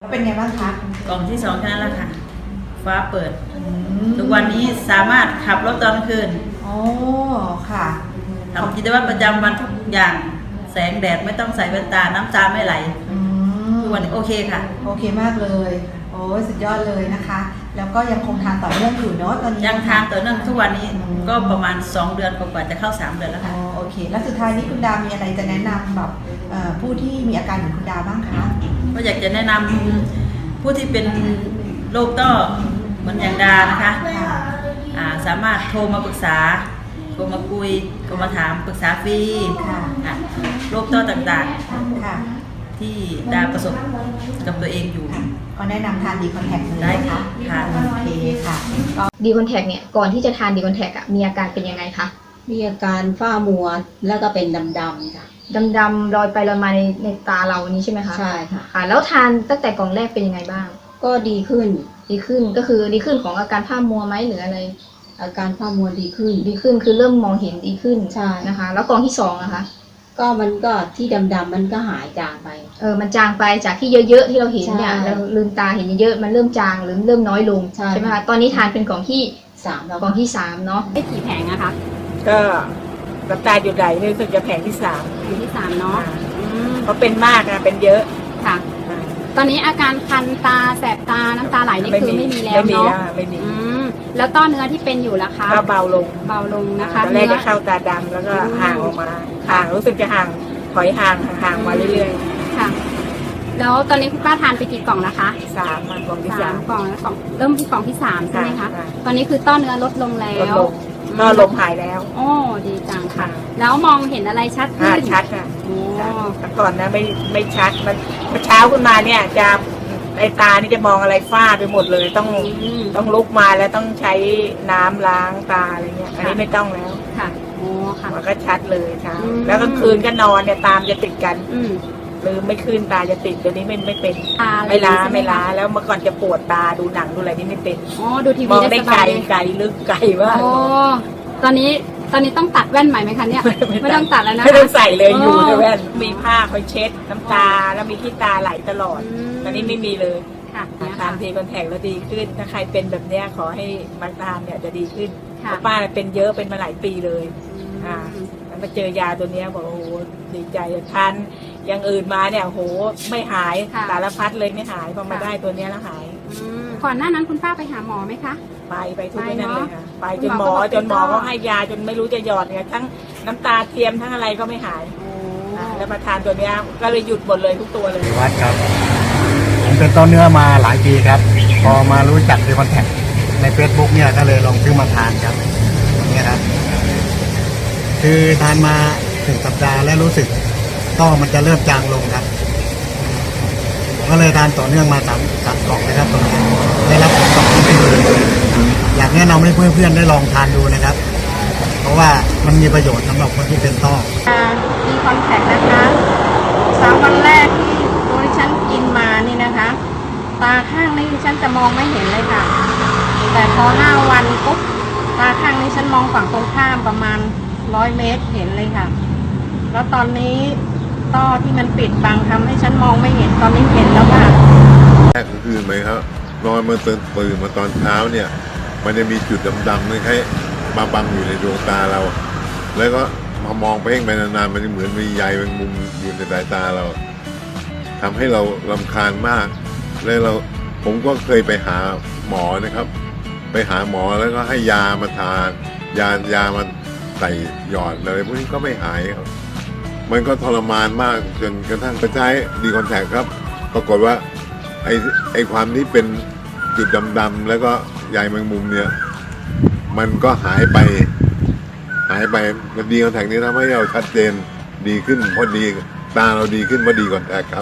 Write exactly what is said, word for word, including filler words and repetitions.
เป็นไงบ้างคะกล่องที่สองแค่นั้นแหละค่ะฟ้าเปิดทุกวันนี้สามารถขับรถตอนกลางคืนโอ้ค่ะทำกิจวัตรประจำวันทุกอย่างแสงแดดไม่ต้องใส่แว่นตาน้ำตาไม่ไหลทุกวันนี้โอเคค่ะโอเคมากเลยโอ้สุดยอดเลยนะคะแล้วก็ยังคงทานต่อเนื่องอยู่เนาะตอนนี้ยังทานต่อเนื่องทุกวันนี้ก็ประมาณสองเดือนกว่าจะเข้าสามเดือนแล้วค่ะโอเคแล้วสุดท้ายนี้คุณดามีอะไรจะแนะนำแบบผู้ที่มีอาการเหมือนคุณดาบ้างคะก็อยากจะแนะนำผู้ที่เป็นโรคต้อเหมือนอย่างดานะคะสามารถโทรมาปรึกษาโทรมาคุยโทรมาถามปรึกษาฟรีโรคต้อต่างๆที่ดาประสบกับตัวเองอยู่ก็แนะนำทานดีคอนแทคเลยได้ค่ะค่ะโอเคค่ะดีคอนแทคเนี่ยก่อนที่จะทานดีคอนแทคอะมีอาการเป็นยังไงคะมีอาการฝ้ามัวแล้วก็เป็นดำๆค่ะดำๆลอยไปลอยมาในในตาเรานี้ใช่ไหมคะใช่ค่ะค่ะแล้วทานตั้งแต่กล่องแรกเป็นยังไงบ้างก็ดีขึ้นดีขึ้นก็คือดีขึ้นของอาการฝ้ามัวไหมหรืออะไรอาการฝ้ามัวดีขึ้นดีขึ้นคือเริ่มมองเห็นดีขึ้นใช่นะคะแล้วกล่องที่สองนะคะก็มันก็ที่ดำๆมันก็หายจางไปเออมันจางไปจากที่เยอะๆที่เราเห็นเนี่ยเราลืมตาเห็นเยอะๆมันเริ่มจางหรือเริ่มน้อยลงใช่ไหมคะตอนนี้ทานเป็นกล่องที่สามแล้วกล่องที่สามเนาะได้กี่แผงอะคะก็น้ำตาหยุดไหลนี่รู้สึกจะแผงที่สามแผงที่สามเนาะเพราะเป็นมากนะเป็นเยอะค่ะตอนนี้อาการคันตาแสบตาน้ำตาไหลนี่คือไม่มีแล้วเนาะไม่มีแล้วต้อเนื้อที่เป็นอยู่ล่ะคะก็เบาลงเบาลงนะคะตอนแรกจะเข้าตาดำแล้วก็ห่างออกมาห่างรู้สึกจะห่างถอยห่างห่างมาเรื่อยๆค่ะแล้วตอนนี้คุณป้าทานไปกี่กล่องนะคะสามกล่องที่สามกล่องแล้วกล่องเริ่มที่กล่องที่สามใช่ไหมคะตอนนี้คือต้อเนื้อลดลงแล้วก็ลมหายแล้วโอ้ดีจังค่ะแล้วมองเห็นอะไรชัดขึ้นชัดค่ะแต่ก่อนนะไม่ไม่ชัดมันเช้าขึ้นมาเนี่ยจะไอตานี่จะมองอะไรฟ้าไปหมดเลยต้องต้องลุกมาแล้วต้องใช้น้ำล้างตาอะไรเงี้ยอันนี้ไม่ต้องแล้วค่ะโอ้ค่ะมันก็ชัดเลยเช้าแล้วกลางคืนก็นอนเนี่ยตามจะติดกันลืมไม่ขึ้นตาจะติดเดี๋ยวนี้ไม่ไม่เป็นไม่ล้าไม่ล้าแล้วเมื่อก่อนจะปวดตาดูหนังดูอะไรนี่ไม่เป็นอ๋อดูทีวีได้ไกลไกลลึกไกลว่าโอ้ตอนนี้ตอนนี้ต้องตัดแว่นใหม่ไหมคะเนี่ยไม่ต้องตัดแล้วนะไม่ต้องใส่เลยอยู่ในแว่นมีผ้าคอยเช็ดน้ำตาแล้วมีขี้ตาไหลตลอดตอนนี้ไม่มีเลยทานทีคอนแทคแล้วดีขึ้นถ้าใครเป็นแบบเนี้ยขอให้มาทานเนี่ยจะดีขึ้นเพราะป้าเป็นเยอะเป็นมาหลายปีเลยอ่าแล้วมาเจอยาตัวเนี้ยบอกโอ้โหดีใจทานอย่างอื่นมาเนี่ยโหไม่หายสารพัดเลยไม่หายพอมาได้ตัวเนี้ยแล้วหายก่อนหน้านั้นคุณป้าไปหาหมอไหมคะไปไปทุกที่นั่นเลยค่ะไปจนหมอจนหมอก็ให้ยาจนไม่รู้จะหยอดเนี่ยทั้งน้ำตาเทียมทั้งอะไรก็ไม่หายแล้วมาทานตัวเนี้ยก็เลยหยุดหมดเลยทุกตัวเลยวัดครับผมเป็นต้นเนื้อมาหลายปีครับพอมารู้จักดีคอนแทคใน เฟซบุ๊ก เนี่ยก็เลยลองซื้อมาทานครับนี่ครับคือทานมาถึงสัปดาห์แล้วรู้สึกต้อมันจะเริ่มจางลงครับก็เลยทานต่อเนื่องมาสามสามกล่องนะครับตรงนี้ได้รับผลตอบรับที่ดีอยากแนะนำให้เพื่อนๆได้ลองทานดูนะครับเพราะว่ามันมีประโยชน์สำหรับคนที่เป็นต้อดีคอนแทคนะคะสามวันแรกที่ตัวที่ฉันกินมานี่นะคะตาข้างนี้ฉันจะมองไม่เห็นเลยค่ะแต่พอห้าวันปุ๊บตาข้างนี้ฉันมองฝั่งตรงข้ามประมาณร้อยเมตรเห็นเลยค่ะแล้วตอนนี้ต้อที่มันปิดบังทำให้ฉันมองไม่เห็นตอนนี้เห็นแล้วค่ะแรกก็คือไหมครับนอนมาตื่นตื่นมาตอนเช้าเนี่ยมันจะมีจุดดำๆไม่ใช่มาบังอยู่ในดวงตาเราแล้วก็มามองไปเองไปนานๆมันจะเหมือนมีใยแมงมุมอยู่ในสายตาเราทำให้เรารำคาญมากแล้วเราผมก็เคยไปหาหมอนะครับไปหาหมอแล้วก็ให้ยามาทานยายามาใส่หยอดอะไรพวกนี้ก็ไม่หายครับมันก็ทรมานมากจนกระทั่งไปใช้ดีคอนแทคครับปรากฏว่าไอ้ไอ้ความที่เป็นจุดดำๆแล้วก็ใยแมงมุมเนี่ยมันก็หายไปหายไปมันดีคอนแทคนี้ทำให้เราชัดเจนดีขึ้นพอดีตาเราดีขึ้นพอดีคอนแทคครับ